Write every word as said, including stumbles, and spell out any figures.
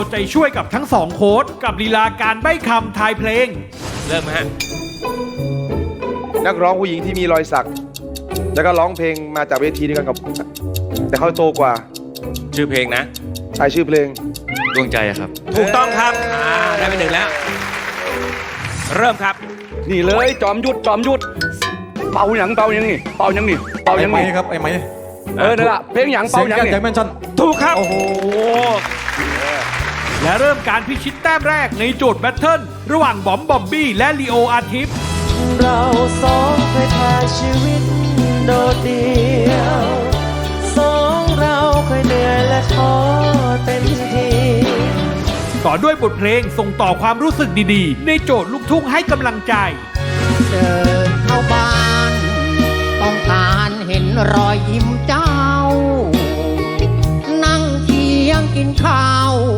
ใจช่วยกับทั้งสองโค้ชกับลีลาการใบ้คำทายเพลงเริ่มฮะนักร้องผู้หญิงที่มีรอยสักแล้วก็ร้องเพลงมาจากเวทีเดียวกันกับแต่เขาโตกว่าชื่อเพลงนะใช่ชื่อเพลงดวงใจครับถูกต้องครับอ่าได้ไปหนึ่งแล้วเริ่มครับนี่เลยจอมยุทธจอมยุทธเป่าหยังเป่าหยังนี่เป่าหยังนี่เป่าหยังนี่ครับไอ้ไม้เออนั่นแหละเพลงหยังเป่าหยังนี่แจ็คแมนชั่นถูกครับโอ้โหและเริ่มการพิชิตแต้มแรกในโจทย์แบทเทิลระหว่างบอมบอมบี้และลีโออาทิตย์เราสองเคยผ่านชีวิตโดดเดี่ยวสองเราเคยเหนื่อยและท้อเต็มทีต่อด้วยบทเพลงส่งต่อความรู้สึกดีๆในโจทย์ลูกทุ่งให้กำลังใจเดินเข้าบ้านต้องการเห็นรอยยิ้มเจ้านั่งเคียงกินข้าว